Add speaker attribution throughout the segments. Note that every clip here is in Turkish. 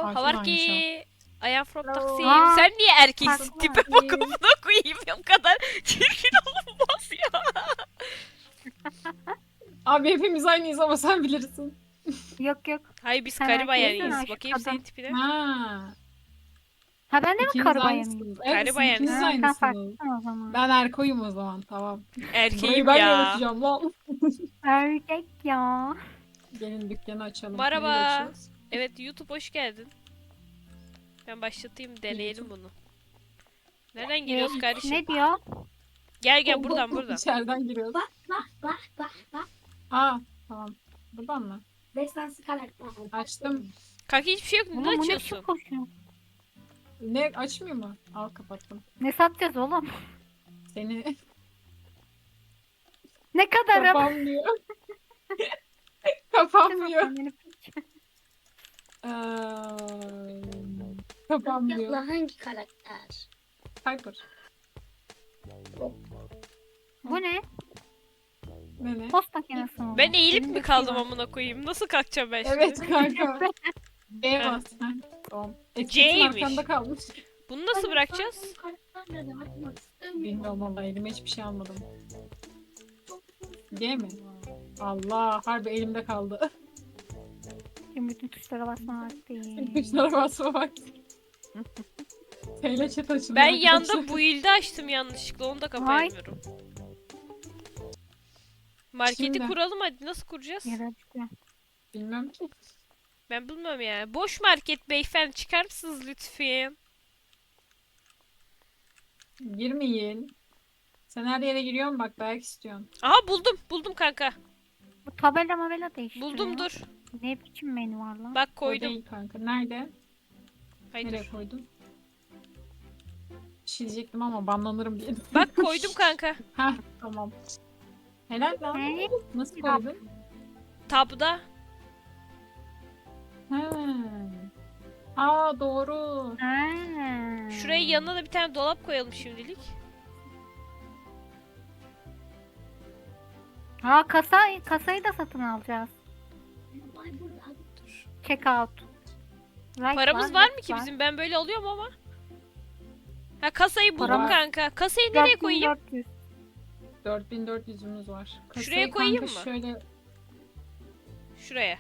Speaker 1: how are
Speaker 2: aynı şey.
Speaker 1: you? I am from Taksim.
Speaker 3: Aa,
Speaker 1: Sen niye erkeksin?
Speaker 3: farklı.
Speaker 1: Tipe bak amına koyayım. O kadar çirkin olmaz ya.
Speaker 2: Abi hepimiz aynıyız ama sen bilirsin.
Speaker 3: Yok yok.
Speaker 1: Hayır biz
Speaker 3: Sen
Speaker 1: karı
Speaker 3: erkeksin,
Speaker 1: bayanıyız.
Speaker 3: aşk
Speaker 1: Bakayım senin
Speaker 3: adam.
Speaker 1: tipine.
Speaker 2: Ha,
Speaker 3: Ha ben de mi
Speaker 2: ikiniz
Speaker 3: karı bayanıyım?
Speaker 2: aynısınız.
Speaker 1: Karı
Speaker 2: Evet, siz
Speaker 1: bayanısın.
Speaker 2: ikiniz
Speaker 3: Ha, sen
Speaker 2: aynısınız.
Speaker 3: farklısın o zaman.
Speaker 2: Ben erkoyum o zaman, tamam.
Speaker 1: Erkeğim
Speaker 2: Burayı ben
Speaker 1: ya.
Speaker 2: yöneteceğim lan.
Speaker 3: Erkek ya.
Speaker 2: Gelin dükkanı açalım.
Speaker 1: Merhaba.
Speaker 2: Neyle açıyoruz?
Speaker 1: Evet YouTube hoş geldin. Ben başlatayım deneyelim bunu. Nereden giriyoruz kardeşim?
Speaker 3: Ne diyor?
Speaker 1: Gel buradan.
Speaker 2: İçeriden giriyoruz.
Speaker 4: Bak.
Speaker 2: Aa, tamam. Buradan mı?
Speaker 4: Destansı karakter.
Speaker 2: Açtım.
Speaker 1: Kanka hiçbir şey yok.
Speaker 3: Oğlum
Speaker 1: Ne
Speaker 3: bu ne
Speaker 1: açıyorsun?
Speaker 3: biçim koşuyor?
Speaker 2: Ne açmıyor mu? Al, kapattım.
Speaker 3: Ne satacağız oğlum?
Speaker 2: Seni
Speaker 3: Ne kadarım?
Speaker 2: kapanmıyor. Kapanmıyor. Kapanmıyor.
Speaker 4: Abla hangi karakter?
Speaker 2: Piper.
Speaker 3: Bu ne?
Speaker 2: Ne?
Speaker 3: Post makinesi mi?
Speaker 1: Ben eğilip
Speaker 3: Elinde
Speaker 1: mi
Speaker 3: şey
Speaker 1: kaldım
Speaker 3: var.
Speaker 1: amına koyayım? Nasıl kalkacağım ben şimdi?
Speaker 2: Evet kanka. B
Speaker 1: Ha.
Speaker 2: bas. Ha, tamam. Etiketin
Speaker 1: C'ymiş.
Speaker 2: arkanda kalmış.
Speaker 1: Bunu nasıl bırakacağız?
Speaker 4: Karakter ne demek? Bakmak istemiyorum.
Speaker 2: Bilmiyorum vallahi, elime hiçbir şey almadım. G mi? Allah, harbi elimde kaldı.
Speaker 3: Şimdi bütün tuşlara basma vakti.
Speaker 2: Kuşlara basma bak. Teyle chat açıldı.
Speaker 1: Ben
Speaker 2: arkadaşlar.
Speaker 1: yanda bu ilde açtım yanlışlıkla. Onu da kapayamıyorum. Marketi
Speaker 2: Şimdi.
Speaker 1: kuralım hadi. Nasıl kuracağız?
Speaker 3: Yere açıyor.
Speaker 2: Bilmem ki.
Speaker 1: Ben bilmiyorum ya. Boş market beyefendi çıkar mısınız lütfen?
Speaker 2: Girmeyin. Sen her yere giriyorsun bak, belki istiyorsun.
Speaker 1: Aha buldum kanka.
Speaker 3: Bu tabela mabela değiştiriyor.
Speaker 1: Buldum dur.
Speaker 3: Ne biçim menü var lan?
Speaker 1: Bak
Speaker 2: O
Speaker 1: koydum.
Speaker 2: değil kanka. Nerede?
Speaker 1: Hayır
Speaker 2: Nereye
Speaker 1: dur.
Speaker 2: koydun? Bir şey diyecektim ama banlanırım diye.
Speaker 1: Bak koydum kanka.
Speaker 2: Heh, tamam. Helal lan.
Speaker 3: Ne?
Speaker 2: Nasıl
Speaker 3: Yap.
Speaker 2: koydun?
Speaker 1: Tabda.
Speaker 2: He. Aa, doğru.
Speaker 3: Ha.
Speaker 1: Şuraya yanına da bir tane dolap koyalım şimdilik.
Speaker 3: Ha kasayı da satın alacağız.
Speaker 4: Ay burada.
Speaker 1: Dur.
Speaker 3: Check out. Right
Speaker 1: Paramız var mı
Speaker 3: left
Speaker 1: ki
Speaker 3: var.
Speaker 1: bizim? Ben böyle alıyorum ama. Ha kasayı buldum
Speaker 3: Param-
Speaker 1: kanka. Kasayı nereye koyayım?
Speaker 3: 4400.
Speaker 2: 4400'ümüz var. Kasayı
Speaker 1: Şuraya koyayım
Speaker 2: kanka
Speaker 1: mı?
Speaker 2: Şöyle.
Speaker 1: Şuraya.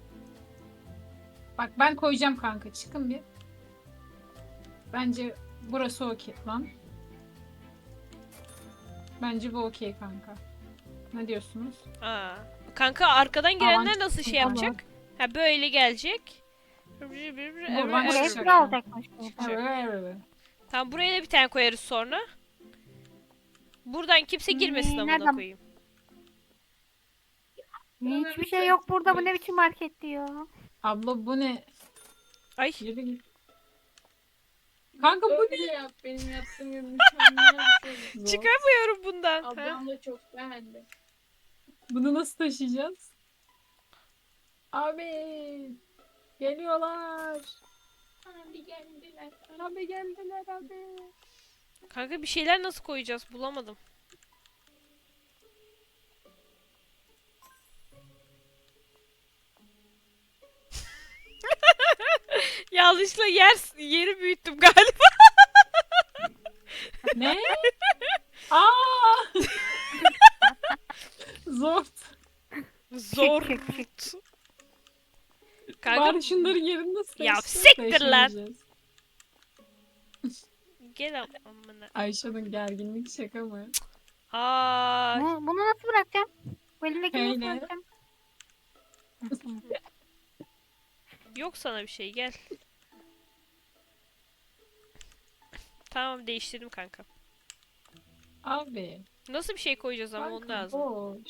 Speaker 2: Bak ben koyacağım kanka. Çıkın bir. Bence burası okey lan. Bence bu okey kanka. Ne diyorsunuz?
Speaker 1: Aa. Kanka arkadan girenler
Speaker 2: Avan-
Speaker 1: nasıl şey
Speaker 2: Tamam.
Speaker 1: yapacak? Ha böyle gelecek.
Speaker 2: Buradan
Speaker 3: Buraya
Speaker 2: çıkacak.
Speaker 3: bir alacakmış bu.
Speaker 2: Evet.
Speaker 1: Tamam buraya da bir tane koyarız sonra. Buradan kimse girmesin amına
Speaker 3: nereden-
Speaker 1: koyayım.
Speaker 3: Hiçbir şey yok burada. Bu ne biçim market diyor.
Speaker 2: Abla bu ne?
Speaker 1: Ay.
Speaker 2: Yürü git. Kanka bu ne?
Speaker 4: Öyle yap. Benim yaptığım gibi mükemmel bir şey.
Speaker 2: Zor.
Speaker 1: Çıkamıyorum bundan. Ha?
Speaker 4: Ablam da çok beğendi.
Speaker 2: Bunu nasıl taşıyacağız? Abi. Geliyorlar.
Speaker 4: Abi geldiler.
Speaker 2: Abi geldiler abi.
Speaker 1: Kanka bir şeyler nasıl koyacağız? Bulamadım. Yanlışlıkla yeri büyüttüm galiba.
Speaker 2: Ne? Aa! Zor.
Speaker 1: Zor.
Speaker 3: Çık, çık,
Speaker 1: Kanka
Speaker 2: Bari şunların yerini nasıl
Speaker 1: Ya
Speaker 2: değiştireceğiz?
Speaker 1: siktir lan.
Speaker 2: Değiştireceğiz.
Speaker 1: gel amına.
Speaker 2: Ayşe'nin gerginlik şaka mı?
Speaker 1: Aa,
Speaker 3: Bunu nasıl bırakacağım? Bu elimdekini nasıl
Speaker 2: Öyle.
Speaker 3: bırakacağım?
Speaker 1: yok sana bir şey gel. Tamam değiştirdim kanka.
Speaker 2: Abi.
Speaker 1: Nasıl bir şey koyacağız ama onu
Speaker 2: Kanka
Speaker 1: lazım.
Speaker 2: boş.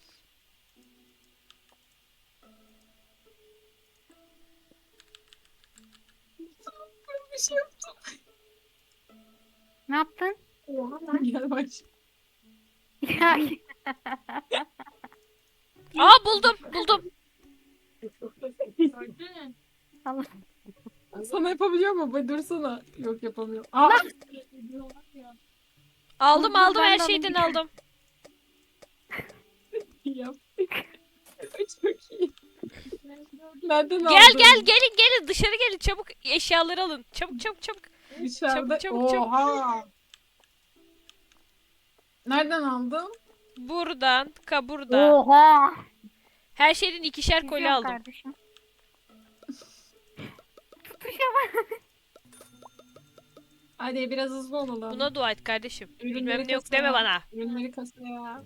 Speaker 2: Bir şey yaptım.
Speaker 3: Ne yaptın?
Speaker 2: Gel baş.
Speaker 3: Ya,
Speaker 1: Aa buldum.
Speaker 4: Gördün.
Speaker 3: Allah.
Speaker 2: Sana yapabiliyor mu? Bay dursana. Yok yapamıyor. Aa!
Speaker 1: Aldım
Speaker 3: Dur,
Speaker 1: aldım
Speaker 3: ben
Speaker 1: her
Speaker 3: de
Speaker 1: şeyden
Speaker 3: alayım.
Speaker 1: aldım.
Speaker 2: Yaptık. Çok iyi. Nereden aldın?
Speaker 1: Gelin dışarı gelin çabuk eşyaları alın. Çabuk.
Speaker 2: Dışarıda.
Speaker 1: Çabuk.
Speaker 2: Oha. Nereden aldın?
Speaker 1: Buradan, buradan.
Speaker 3: Oha.
Speaker 1: Her şeyden ikişer kolye
Speaker 3: İzliyorum
Speaker 1: aldım.
Speaker 3: kardeşim. Tutuşa bak.
Speaker 2: Hadi biraz hızlı olalım.
Speaker 1: Buna dua et kardeşim.
Speaker 2: Ürünleri
Speaker 1: Bilmem ne yok
Speaker 2: kasaya.
Speaker 1: deme bana.
Speaker 2: Ürünleri kasaya.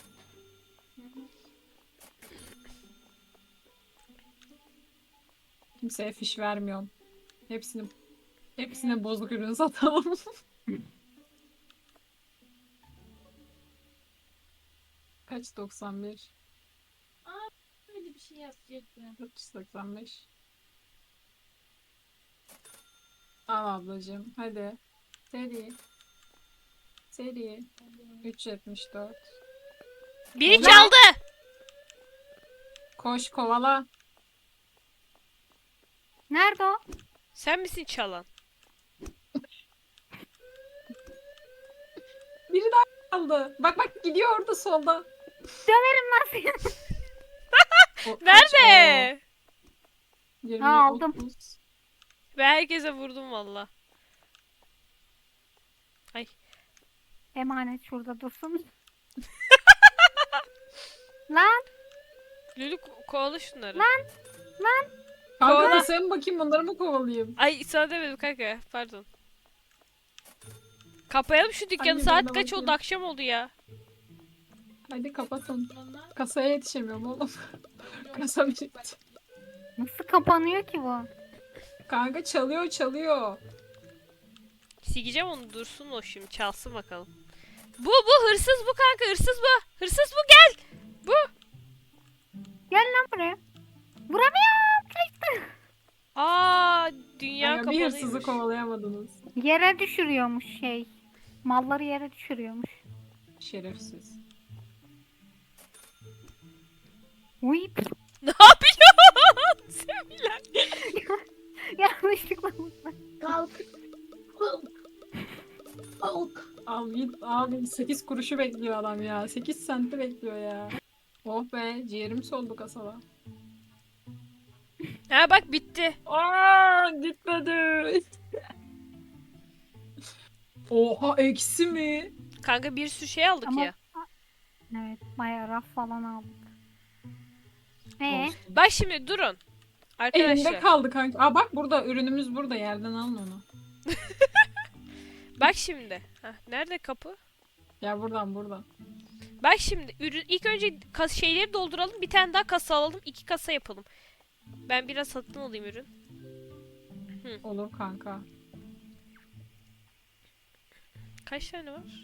Speaker 2: Kimseye fiş vermiyorum. Hepsine bozuk ürün satalım. Kaç? 91.
Speaker 4: Öyle bir şey yapacaktım.
Speaker 2: 495. Al ablacığım. Hadi. Seri. 374.
Speaker 1: Biri
Speaker 2: Ne?
Speaker 1: çaldı.
Speaker 2: Koş kovala.
Speaker 3: Nerede o?
Speaker 1: Sen misin çalan?
Speaker 2: Biri daha aldı. Bak gidiyor orada solda.
Speaker 3: Nasıl?
Speaker 1: Nerede?
Speaker 2: 20,
Speaker 3: Ha, aldım.
Speaker 2: 30.
Speaker 1: Ben herkese vurdum valla.
Speaker 3: Emanet şurada dursun. Lan
Speaker 1: Lülü kovala şunları.
Speaker 2: Kanka
Speaker 1: Kovala.
Speaker 2: sen bakayım bunları mı kovalayayım?
Speaker 1: Ay sana demedim kanka pardon. Kapayalım şu dükkanı.
Speaker 2: Hangi
Speaker 1: Saat
Speaker 2: birine
Speaker 1: kaç oldu?
Speaker 2: bakayım?
Speaker 1: Akşam oldu ya.
Speaker 2: Hadi kapatın.
Speaker 4: Onlar
Speaker 2: Kasaya yetişemiyorum oğlum. Kasa bitti.
Speaker 3: nasıl kapanıyor ki bu?
Speaker 2: Kanka çalıyor.
Speaker 1: Sileceğim onu dursun o şimdi çalsın bakalım. Bu hırsız bu kanka hırsız bu. Hırsız bu gel.
Speaker 3: Gel lan buraya. Vuramıyorum.
Speaker 1: Aa dünya
Speaker 2: Kanka bir hırsızı
Speaker 1: kapalıymış.
Speaker 2: kovalayamadınız.
Speaker 3: Yere düşürüyormuş şey. Malları yere düşürüyormuş.
Speaker 2: Şerefsiz.
Speaker 3: Uy.
Speaker 1: Ne yapıyorsun? Sevilen.
Speaker 3: Yanlışlıkla vurdum.
Speaker 4: kalk. Kalk.
Speaker 2: Al git abi 8 kuruşu bekliyor adam ya. 8 senti bekliyor ya. Oh be ciğerim soldu kasada.
Speaker 1: Ha bak bitti.
Speaker 2: Aa gitmedi. Oha eksi mi?
Speaker 1: Kanka bir sürü şey aldık
Speaker 3: Ama-
Speaker 1: ya.
Speaker 3: Evet bayağı raf falan aldık.
Speaker 2: Olsun.
Speaker 1: Bak şimdi durun.
Speaker 2: Elimde
Speaker 1: Arkadaşlar.
Speaker 2: kaldı kanka. Aa bak burada ürünümüz burada yerden alın onu.
Speaker 1: Bak şimdi. Heh, nerede kapı?
Speaker 2: Ya buradan.
Speaker 1: Bak şimdi ürün ilk önce şeyleri dolduralım. Bir tane daha kasa alalım. 2 kasa yapalım. Ben biraz satın alayım ürün.
Speaker 2: Olur kanka.
Speaker 1: Kaç tane var?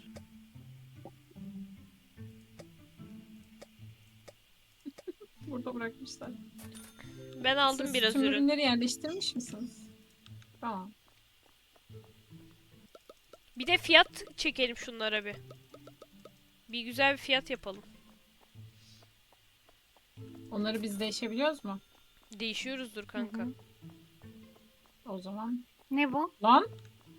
Speaker 2: Burada bırakmışlar.
Speaker 1: Ben aldım
Speaker 2: Siz
Speaker 1: biraz
Speaker 2: tüm
Speaker 1: ürün.
Speaker 2: ürünleri yerleştirmiş misiniz? Tamam.
Speaker 1: Bir de fiyat çekelim şunlara bir. Bir güzel bir fiyat yapalım.
Speaker 2: Onları biz değişebiliyoruz mu?
Speaker 1: Değişiyoruzdur kanka.
Speaker 3: Hı hı.
Speaker 2: O zaman.
Speaker 3: Ne bu?
Speaker 2: Lan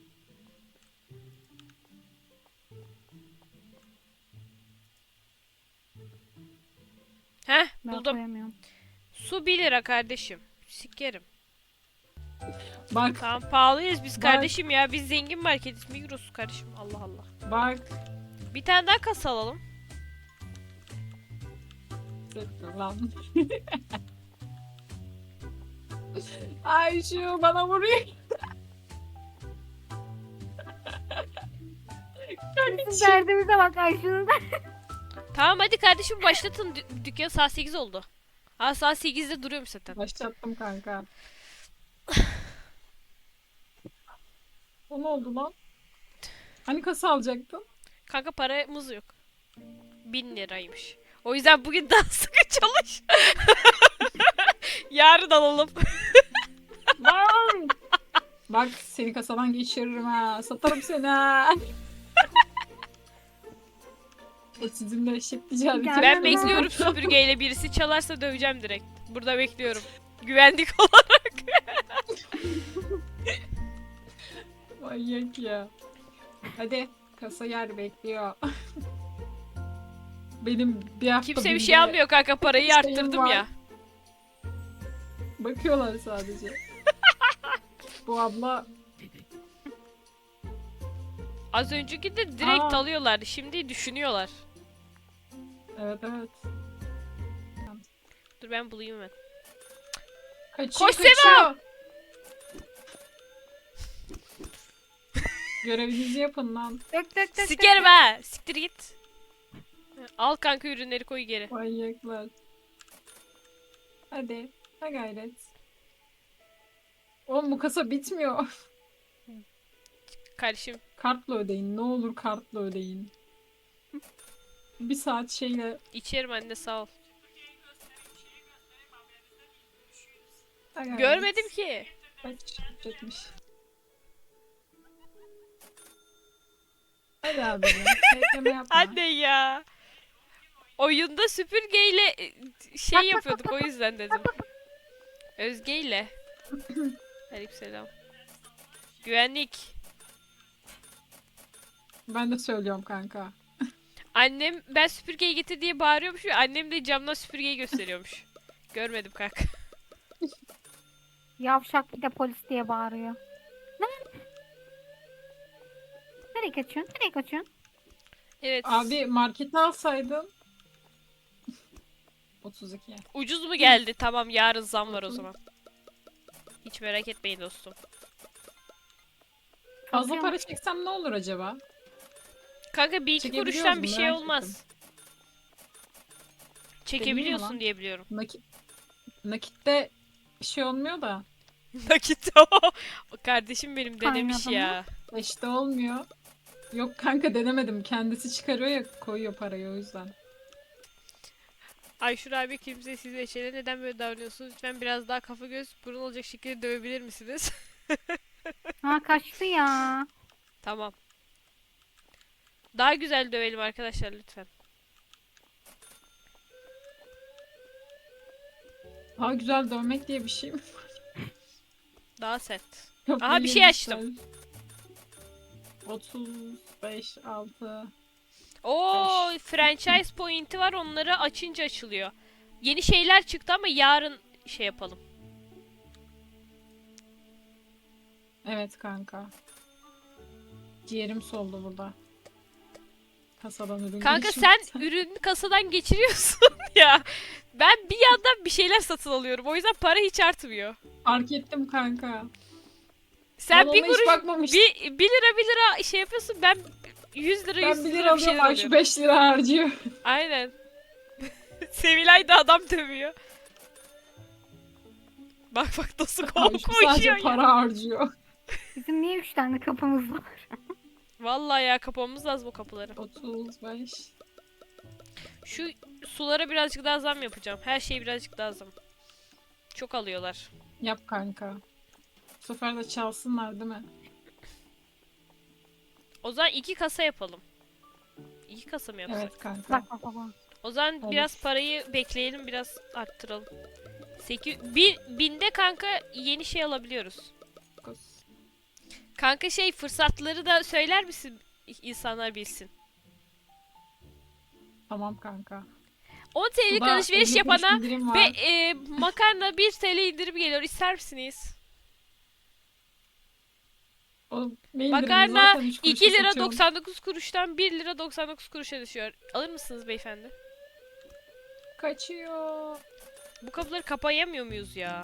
Speaker 1: Heh
Speaker 3: Ben
Speaker 1: buldum.
Speaker 3: koyamıyorum.
Speaker 1: Su 1 lira kardeşim. Sikerim.
Speaker 2: bak
Speaker 1: Tamam pahalıyız biz
Speaker 2: Bak.
Speaker 1: kardeşim ya. Biz zengin marketiz. Migros kardeşim. Allah Allah.
Speaker 2: bak.
Speaker 1: Bir tane daha kasa alalım.
Speaker 2: Lan. Ay şu bana vuruyor.
Speaker 3: Bizim derdimize bak Ayşun'un.
Speaker 1: Tamam hadi kardeşim başlatın. Dükkan saat 8 oldu. Ha saat 8'de duruyormuş zaten.
Speaker 2: Başlattım kanka. O ne oldu lan? Hani kasa alacaktın?
Speaker 1: Kanka paramız yok. 1000 liraymış. O yüzden bugün daha sıkı çalış. Yarın alalım.
Speaker 2: Lan! Bak seni kasadan geçiririm ha. Satarım seni ha. O sizinle eşit ticaret.
Speaker 3: Ben
Speaker 1: Ben
Speaker 3: Aynen.
Speaker 1: bekliyorum süpürgeyle birisi çalarsa döveceğim direkt. Burada bekliyorum. Güvenlik olarak.
Speaker 2: Manyak ya. Hadi kasa yer bekliyor. Benim bir hafta
Speaker 1: Kimse bir
Speaker 2: binde
Speaker 1: şey almıyor kanka parayı
Speaker 2: şeyim
Speaker 1: arttırdım
Speaker 2: var.
Speaker 1: ya.
Speaker 2: Bakıyorlar sadece. Bu abla
Speaker 1: Az önceki de direkt
Speaker 2: Aa.
Speaker 1: alıyorlardı. Şimdi düşünüyorlar.
Speaker 2: evet evet.
Speaker 1: Dur ben bulayım hemen.
Speaker 2: Kaçıyor
Speaker 1: Koş Sema!
Speaker 2: kaçıyor. Görevinizi yapın lan.
Speaker 3: Dök dök dök.
Speaker 1: Sikerim ha. Siktir git. Al kanka ürünleri koy geri.
Speaker 2: Manyaklar. Hadi. Ha gayret. Oğlum bu kasa bitmiyor.
Speaker 1: Kardeşim
Speaker 2: Kartla ödeyin. Ne olur kartla ödeyin. Bir saat şeyle...
Speaker 1: içerim anne sağ ol.
Speaker 2: Ha gayret.
Speaker 1: Görmedim ki.
Speaker 2: Kaç çekmiş. Hadi abi ya. Bekleme yapma.
Speaker 1: Anne ya. Oyunda süpürgeyle şey yapıyorduk o yüzden dedim. Özge ile. Aleykümselam. Güvenlik.
Speaker 2: Ben de söylüyorum kanka.
Speaker 1: Annem ben süpürgeyi getir diye bağırıyormuş ve annem de camdan süpürgeyi gösteriyormuş. Görmedim kanka.
Speaker 3: Yavşak bir de polis diye bağırıyor. Lan. Nereye kaçıyorsun? Nereye kaçıyorsun?
Speaker 1: Evet.
Speaker 2: Abi markete alsaydın. 32.
Speaker 1: Ucuz mu geldi? Tamam yarın zam var o zaman. Hiç merak etmeyin dostum.
Speaker 2: Fazla
Speaker 3: Kalkıyor
Speaker 2: para
Speaker 3: musun?
Speaker 2: çeksem ne olur acaba?
Speaker 1: Kanka bir iki
Speaker 2: Çekebiliyoruz
Speaker 1: kuruştan bir
Speaker 2: mu?
Speaker 1: şey
Speaker 2: Merak
Speaker 1: olmaz. Çekebiliyorsun
Speaker 2: lan.
Speaker 1: diye biliyorum.
Speaker 2: Nakitte bir şey olmuyor da.
Speaker 1: Nakit o. Kardeşim benim denemiş
Speaker 3: Kaynadı
Speaker 1: ya.
Speaker 2: İşte olmuyor. Yok kanka denemedim. Kendisi çıkarıyor ya koyuyor parayı o yüzden.
Speaker 1: Ayşur abi kimse siz ve Eşe'yle neden böyle davranıyorsunuz? Lütfen biraz daha kafa göz burun olacak şekilde dövebilir misiniz?
Speaker 3: Ha kaçtı ya.
Speaker 1: Tamam. Daha güzel dövelim arkadaşlar lütfen.
Speaker 2: Daha güzel dövmek diye bir şey mi?
Speaker 1: Daha sert.
Speaker 2: Yok,
Speaker 1: Aha, bir şey
Speaker 2: yemişler.
Speaker 1: açtım.
Speaker 2: 35, 6.
Speaker 1: Oo, franchise point'i var. Onları açınca açılıyor. Yeni şeyler çıktı ama yarın şey yapalım.
Speaker 2: Evet kanka. Ciğerim soldu burada. Kasadan ürün
Speaker 1: Kanka
Speaker 2: geçiyor.
Speaker 1: sen ürünü kasadan geçiriyorsun ya. Ben bir yandan bir şeyler satın alıyorum. O yüzden para hiç artmıyor.
Speaker 2: Fark ettim kanka.
Speaker 1: Sen
Speaker 2: Ben
Speaker 1: bir
Speaker 2: ona hiç
Speaker 1: kuruş,
Speaker 2: bakmamıştım.
Speaker 1: bir lira şey yapıyorsun. Ben 100 lira 100
Speaker 2: Ben 1
Speaker 1: lira
Speaker 2: lira
Speaker 1: bir şeyler
Speaker 2: alıyorum Ayşe
Speaker 1: alıyorum.
Speaker 2: 5 lira harcıyor.
Speaker 1: Aynen. Sevilay da adam dövüyor. Bak bak nasıl
Speaker 2: Ayşe sadece
Speaker 1: koşuyor ya.
Speaker 2: para harcıyor.
Speaker 3: Bizim niye 3 tane kapımız var?
Speaker 1: Vallahi ya kapamamız lazım bu kapıları.
Speaker 2: 35.
Speaker 1: Şu sulara birazcık daha zam yapacağım. Her şeye birazcık daha zam. Çok alıyorlar.
Speaker 2: Yap kanka. Bu sefer de çalsınlar değil mi?
Speaker 1: O zaman 2 kasa yapalım. 2 kasa mı yapsak?
Speaker 2: Evet kanka.
Speaker 3: Bak bak bak. bak.
Speaker 1: O zaman
Speaker 2: Olur.
Speaker 1: biraz parayı bekleyelim, biraz arttıralım. 1000'de kanka yeni şey alabiliyoruz. Kanka şey fırsatları da söyler misin? İnsanlar bilsin.
Speaker 2: Tamam kanka.
Speaker 1: 10 TL'lik
Speaker 2: Suda
Speaker 1: alışveriş
Speaker 2: 50 kuruş
Speaker 1: yapana
Speaker 2: indirim
Speaker 1: ve
Speaker 2: var.
Speaker 1: makarna 1 TL indirim geliyor. İster misiniz?
Speaker 2: O ne indirimi
Speaker 1: Makarna
Speaker 2: zaten 3 kuruşa
Speaker 1: 2 lira
Speaker 2: satıyorum.
Speaker 1: 99 kuruştan 1 lira 99 kuruşa düşüyor. Alır mısınız beyefendi?
Speaker 2: Kaçıyor.
Speaker 1: Bu kapıları kapayamıyor muyuz ya?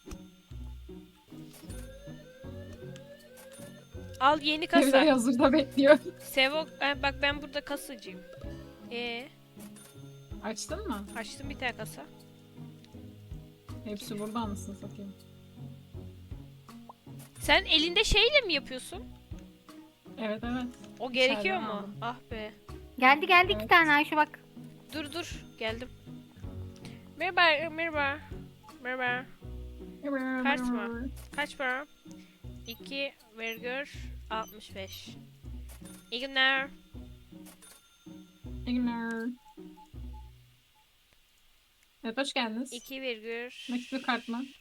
Speaker 1: Al yeni
Speaker 2: Evde
Speaker 1: kasa.
Speaker 2: hazırda bekliyor.
Speaker 1: Sevo bak ben burada kasacıyım.
Speaker 2: Açtın mı?
Speaker 1: Açtım bir tane kasa.
Speaker 2: Hepsi burada anasını satayım.
Speaker 1: Sen elinde şeyle mi yapıyorsun?
Speaker 2: Evet evet.
Speaker 1: O gerekiyor
Speaker 2: İçeriden
Speaker 1: mu?
Speaker 2: aldım.
Speaker 1: Ah be.
Speaker 3: Geldi geldi
Speaker 2: Evet.
Speaker 3: 2 tane Ayşe bak.
Speaker 1: Dur geldim. Merhaba merhaba. Merhaba. Kaç mı? Kaç para? 2,65. İyi günler.
Speaker 2: İyi günler. Evet hoş geldiniz.
Speaker 1: 2,65.
Speaker 2: Nakit bir kart mı?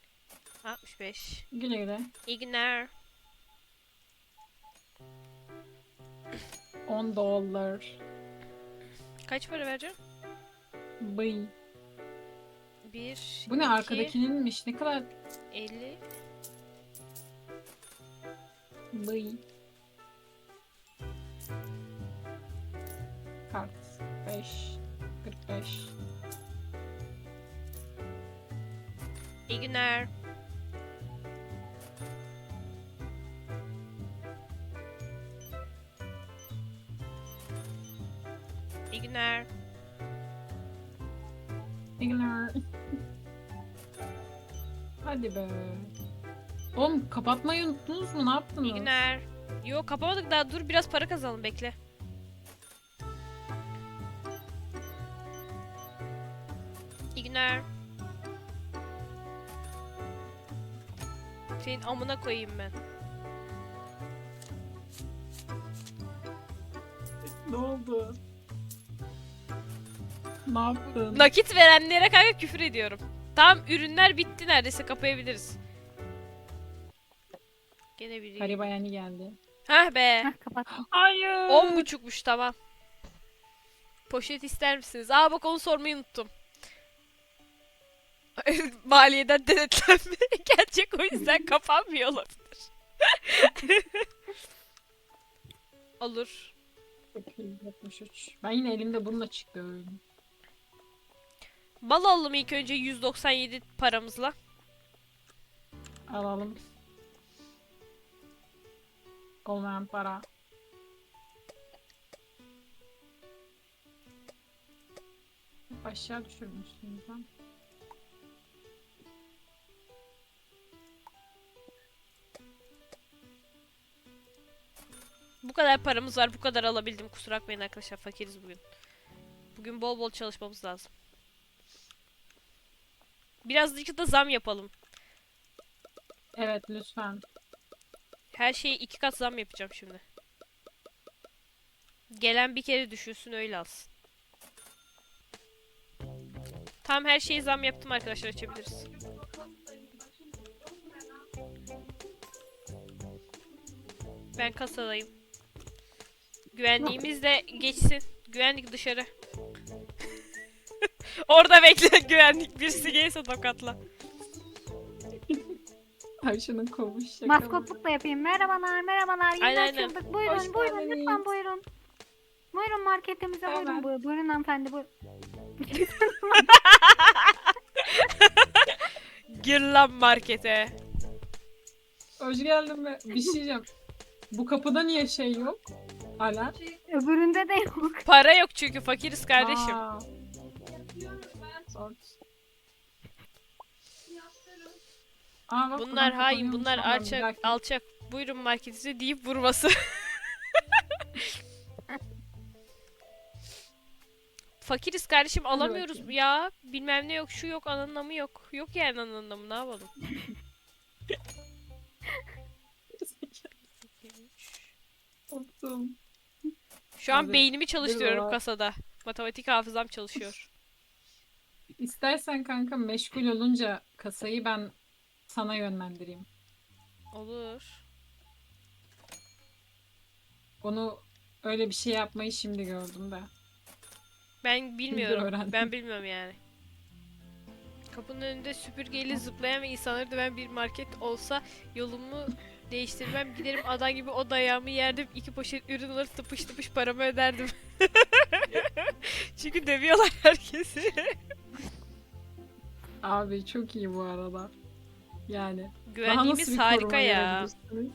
Speaker 2: Güle güle.
Speaker 1: İyi günler.
Speaker 2: 10 dolar.
Speaker 1: Kaç para vereceğim?
Speaker 2: Bıy.
Speaker 1: 1,
Speaker 2: Bu ne
Speaker 1: 2,
Speaker 2: arkadakininmiş? Ne kadar
Speaker 1: 50.
Speaker 2: bıy. Kart 5 45.
Speaker 1: İyi günler. İyi günler.
Speaker 2: İyi günler. Hadi be. Oğlum kapatmayı unuttunuz mu? Ne yaptınız?
Speaker 1: İyi günler. Yok kapamadık daha, dur biraz para kazanalım, bekle. İyi günler. Senin amına koyayım ben.
Speaker 2: Ne oldu? Ne yaptın?
Speaker 1: Nakit verenlere kanka küfür ediyorum. Tamam, ürünler bitti, neredeyse kapayabiliriz. Gene biri.
Speaker 2: Gariba yani geldi.
Speaker 1: Hah be.
Speaker 3: Hah kapattım.
Speaker 2: Hayır.
Speaker 1: 10.30'muş, tamam. Poşet ister misiniz? Aa bak, onu sormayı unuttum. Maliyeden denetlenme gelecek, o yüzden kapanmıyor olabilir. Olur.
Speaker 2: 73. Ben yine elimde bununla çıktım.
Speaker 1: Mal alalım ilk önce 197 paramızla.
Speaker 2: Alalım. Olmayan para. Aşağı düşürmüşsünüz lan.
Speaker 1: Bu kadar paramız var, bu kadar alabildim. Kusura bakmayın arkadaşlar, fakiriz bugün. Bugün bol bol çalışmamız lazım. Birazcık da zam yapalım.
Speaker 2: Evet lütfen.
Speaker 1: Her şeye 2 kat zam yapacağım şimdi. Gelen bir kere düşünsün, öyle alsın. Tam her şeye zam yaptım arkadaşlar, açabiliriz. Ben kasadayım. Güvenliğimiz de geçsin. Güvenlik dışarı. Orada bekle, güvenlik birisi gelirse tokatla.
Speaker 2: Ayşe'nin kovuş şakaları.
Speaker 3: Maskotluk da yapayım. Merhabalar, merhabalar. Yeni
Speaker 1: Aynen, aynen.
Speaker 3: açıldık. Buyurun,
Speaker 2: Hoş
Speaker 3: buyurun.
Speaker 2: geldiniz.
Speaker 3: Lütfen buyurun. Buyurun marketimize
Speaker 2: Hemen.
Speaker 3: buyurun. Buyurun, buyurun hanımefendi. Buyurun.
Speaker 1: Gir lan markete.
Speaker 2: Hoş geldin be. Bir şey diyeceğim. Bu kapıda niye şey yok? Alarm.
Speaker 3: Öbüründe de yok.
Speaker 1: Para yok çünkü fakiriz kardeşim.
Speaker 2: Aa. Sort. Aa, bak,
Speaker 1: Bunlar
Speaker 2: buradan
Speaker 1: hain,
Speaker 2: kapanıyormuş.
Speaker 1: bunlar
Speaker 2: Tamam, bir
Speaker 1: alçak,
Speaker 2: dakika.
Speaker 1: alçak. Buyurun marketinize deyip vurması. Fakiriz kardeşim, alamıyoruz
Speaker 2: bakayım.
Speaker 1: ya. Bilmem ne yok, şu yok, anlamı yok. Yok yani anlamı, ne yapalım?
Speaker 2: Korktum.
Speaker 1: Şu an
Speaker 2: Abi,
Speaker 1: beynimi çalıştırıyorum
Speaker 2: bir
Speaker 1: kasada. Matematik hafızam çalışıyor.
Speaker 2: İstersen kanka meşgul olunca kasayı ben sana yönlendireyim.
Speaker 1: Olur.
Speaker 2: Onu öyle bir şey yapmayı şimdi gördüm de.
Speaker 1: Ben bilmiyorum.
Speaker 2: öğrendim.
Speaker 1: Ben bilmiyorum yani. Kapının önünde süpürgeyle zıplayan ve insanları döven bir market olsa yolumu değiştirmem. Giderim adam gibi, o dayağımı yerdim. 2 poşet ürün alır, tıpış tıpış paramı öderdim. Çünkü dövüyorlar herkesi.
Speaker 2: Abi çok iyi bu arada. Yani. Daha nasıl
Speaker 1: Güvenliğimiz
Speaker 2: bir
Speaker 1: harika
Speaker 2: koruma
Speaker 1: ya.
Speaker 2: verebilirsiniz?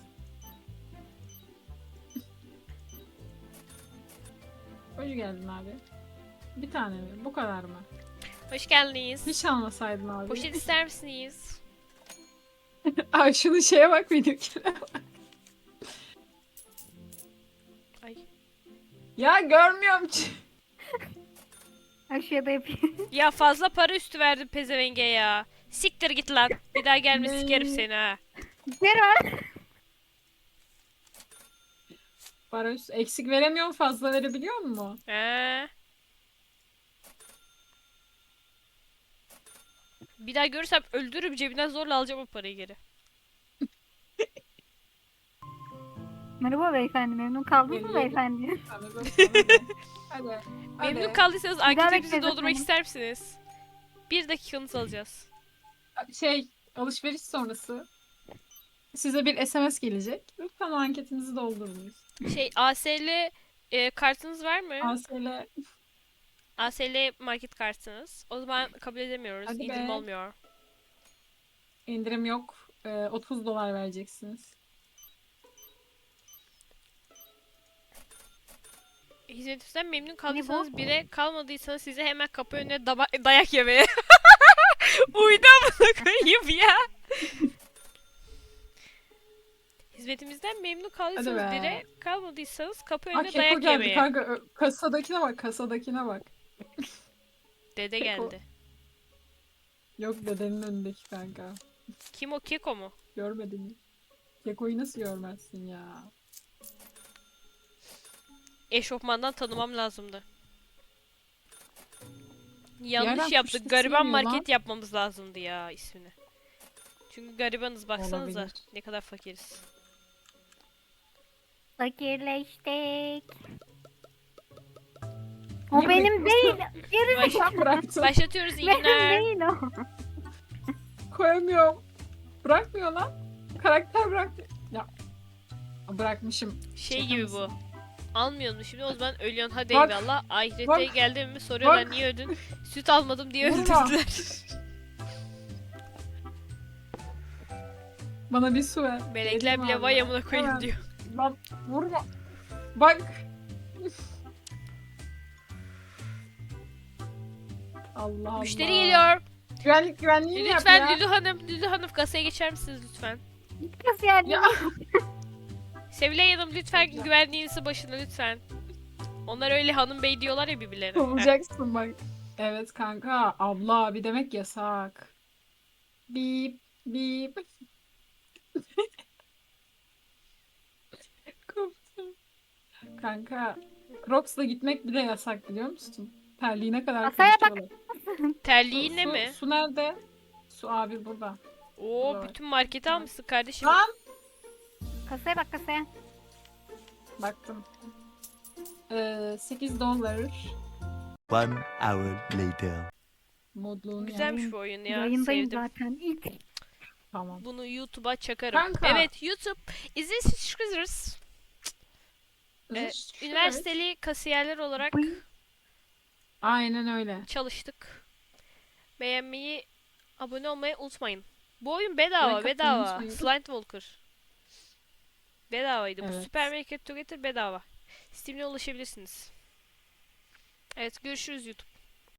Speaker 2: Hoş geldin abi. Bir tane mi? Bu kadar mı?
Speaker 1: Hoş geldiniz.
Speaker 2: Hiç almasaydın abi.
Speaker 1: Poşet ister misiniz?
Speaker 2: Ay şunu şeye bak benimkine.
Speaker 1: Ay.
Speaker 2: Ya görmüyorum.
Speaker 3: Aşağıda yapayım.
Speaker 1: Ya fazla para üstü verdim pezevenge ya. Siktir git lan. Bir daha gelme,
Speaker 2: Ne?
Speaker 1: sikerim seni ha.
Speaker 3: Ver.
Speaker 2: Barış eksik veremiyorum, fazla verebiliyor mu?
Speaker 1: He. Bir daha görürsem öldürürüm, cebinden zorla alacağım o parayı geri.
Speaker 3: Merhaba beyefendi. Memnun kaldınız mı
Speaker 2: Geliyorum.
Speaker 3: beyefendi?
Speaker 2: Hadi. Hadi.
Speaker 1: Memnun
Speaker 2: Hadi.
Speaker 1: kaldıysanız
Speaker 3: daha
Speaker 1: anketimizi
Speaker 3: bekleriz
Speaker 1: doldurmak
Speaker 3: efendim.
Speaker 1: ister misiniz? Bir dakikanızı alacağız.
Speaker 2: Alışveriş sonrası size bir SMS gelecek. Lütfen o anketinizi doldurunuz.
Speaker 1: ASL kartınız var mı?
Speaker 2: ASL
Speaker 1: ASL market kartınız. O zaman kabul edemiyoruz.
Speaker 2: Hadi
Speaker 1: İndirim
Speaker 2: be.
Speaker 1: olmuyor.
Speaker 2: indirim yok. $30 vereceksiniz.
Speaker 1: Hizmetimizden memnun
Speaker 3: bu?
Speaker 1: kaldıysanız 1'e kalmadıysanız size hemen kapı önüne dayak yemeye. Uydu amına koyayım ya. Hizmetimizden memnun kaldıysanız
Speaker 2: Hadi be.
Speaker 1: 1'e kalmadıysanız kapı
Speaker 2: Aa,
Speaker 1: önüne
Speaker 2: Keko
Speaker 1: dayak
Speaker 2: geldi
Speaker 1: yemeye.
Speaker 2: kanka. Kasadakine bak, kasadakine bak.
Speaker 1: Dede
Speaker 2: Keko.
Speaker 1: geldi.
Speaker 2: Yok, dedenin önündeki kanka.
Speaker 1: Kim o? Keko mu?
Speaker 2: Görmedin mi? Keko'yu nasıl görmezsin ya?
Speaker 1: Eşofmandan tanımam lazımdı.
Speaker 2: yerden
Speaker 1: Yanlış
Speaker 2: kuş
Speaker 1: yaptık.
Speaker 2: sesi
Speaker 1: Gariban
Speaker 2: geliyor lan.
Speaker 1: market yapmamız lazımdı ya ismini. Çünkü garibanız baksanıza.
Speaker 2: Olabilir.
Speaker 1: Ne kadar fakiriz.
Speaker 3: Fakirleştik. O
Speaker 2: Niye
Speaker 3: benim değil. Geri
Speaker 2: Sen bıraktın.
Speaker 1: Başlatıyoruz, iyi
Speaker 3: benim
Speaker 1: günler.
Speaker 3: değil o.
Speaker 2: Koyamıyorum. Bırakmıyor lan. Karakter bıraktı. Ya. Bırakmışım.
Speaker 1: Şey
Speaker 2: Şaka
Speaker 1: gibi
Speaker 2: mısın?
Speaker 1: bu. Almıyorsun şimdi, o zaman ölüyorsun, hadi
Speaker 2: Bak,
Speaker 1: eyvallah. Ahirete
Speaker 2: bak,
Speaker 1: geldin mi soruyorlar,
Speaker 2: bak.
Speaker 1: niye öldün? Süt almadım diye
Speaker 2: Vurma.
Speaker 1: öldürdüler.
Speaker 2: Bana bir su ver.
Speaker 1: Melekler
Speaker 2: Vereyim
Speaker 1: bile
Speaker 2: abi.
Speaker 1: vay amına koyayım
Speaker 2: Hemen.
Speaker 1: diyor.
Speaker 2: Lan vurma. Bak. Allah Allah.
Speaker 1: Müşteri geliyor.
Speaker 2: Güvenliğini yap
Speaker 1: Lütfen
Speaker 2: ya.
Speaker 1: Lülü Hanım kasaya geçer misiniz lütfen?
Speaker 3: Kız yani.
Speaker 2: Ya.
Speaker 1: Sevilay Hanım lütfen güvenliğinizi başına lütfen. Onlar öyle hanım bey diyorlar ya birbirlerine. Heh.
Speaker 2: Kovulacaksın bak. Evet kanka. Abla abi demek yasak. Bip bip. Koptum. Kanka. Crocs'la gitmek bile yasak, biliyor musun? Terliğine kadar
Speaker 3: Masaya bak.
Speaker 2: konuşuyorlar.
Speaker 1: Terliğinle mi?
Speaker 2: Su nerede? Su abi burada.
Speaker 1: Oo,
Speaker 2: Burada.
Speaker 1: bütün marketi almışsın kardeşim.
Speaker 2: Lan!
Speaker 3: Kasaya bak kasaya.
Speaker 2: Baktım. $8.
Speaker 5: One hour later.
Speaker 2: Modluğunu yap.
Speaker 1: Güzelmiş bu oyun ya.
Speaker 3: Yayındayım
Speaker 1: Sevdim.
Speaker 3: zaten. İlk.
Speaker 2: Tamam.
Speaker 1: Bunu YouTube'a çakarım.
Speaker 2: Kanka.
Speaker 1: Evet, YouTube. İzlediğiniz için teşekkür ederiz. Üniversiteli kasiyerler olarak
Speaker 2: Aynen öyle.
Speaker 1: çalıştık. Beğenmeyi, abone olmayı unutmayın. Bu oyun bedava,
Speaker 2: Like atmayı
Speaker 1: bedava.
Speaker 2: unutmayın.
Speaker 1: Slime Walker. Bedavaydı. Bu
Speaker 2: Evet.
Speaker 1: Super Market Together bedava. Steam'le ulaşabilirsiniz. Evet, görüşürüz YouTube.